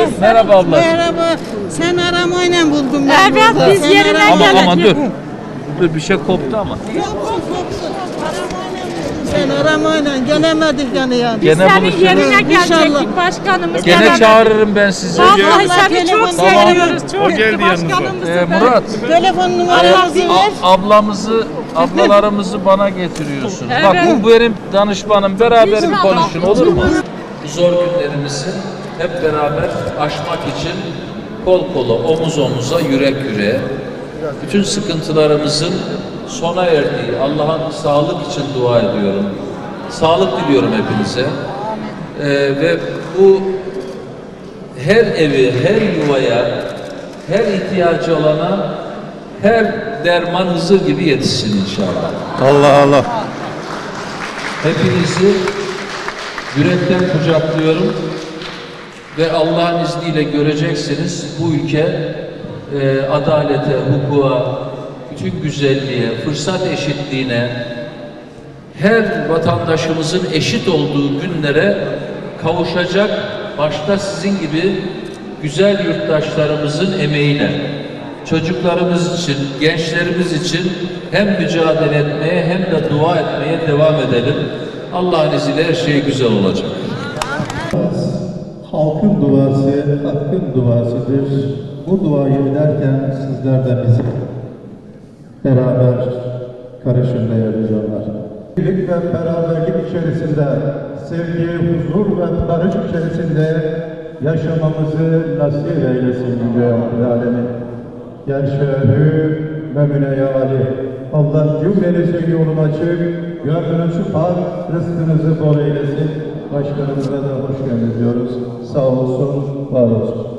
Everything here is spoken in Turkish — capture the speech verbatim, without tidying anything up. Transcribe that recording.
Merhaba abla. Merhaba. Sen aramayla buldum ben. Evet, burada. biz Sen yerine aramayla- Ama geldik. aman dur. Dur bir şey koptu ama. Yok, yok, kopsun. Aramayla buldum. Sen aramayla gelemedik yani yani. Gene Senin buluşuruz. yerine İnşallah. gelecektik başkanımız. Gene gelemedi. çağırırım ben sizi. Vallahi Allah seni çok telefon- seviyoruz. Çok O geldi yanımıza. başkanımızı Ee, ben- Murat. Telefon numaranızı ver. A- ablamızı, ablalarımızı bana getiriyorsun. Evet. Bak bu benim danışmanım. Beraber bir İnşallah. konuşun olur mu? Bu zor günlerimizi hep beraber aşmak için kol kola, omuz omuza, yürek yüreğe, bütün sıkıntılarımızın sona erdiği Allah'ın sağlık için dua ediyorum. Sağlık diliyorum hepinize. Ee, ve bu her evi, her yuvaya, her ihtiyacı olana her derman Hızır gibi yetişsin inşallah. Allah Allah. Hepinizi yürekten kucaklıyorum ve Allah'ın izniyle göreceksiniz bu ülke e, adalete, hukuka, bütün güzelliğe, fırsat eşitliğine, her vatandaşımızın eşit olduğu günlere kavuşacak, başta sizin gibi güzel yurttaşlarımızın emeğiyle, çocuklarımız için, gençlerimiz için hem mücadele etmeye hem de dua etmeye devam edelim. Allah'ın izniyle her şey güzel olacak. Halkın duası, hakkın duasıdır. Bu duayı ederken sizler de bizi beraber karışın değerli canlar. Birlik ve beraberlik içerisinde, sevgi, huzur ve barış içerisinde yaşamamızı nasip eylesin Yüce Alemin. Gerşehü ve müneyali. Allah cümlenizin yolunu açık, gönlünüzü par, rızkınızı bol eylesin. Başkanımıza da hoş geldiniz diyoruz. Sağ olsun, var olsun.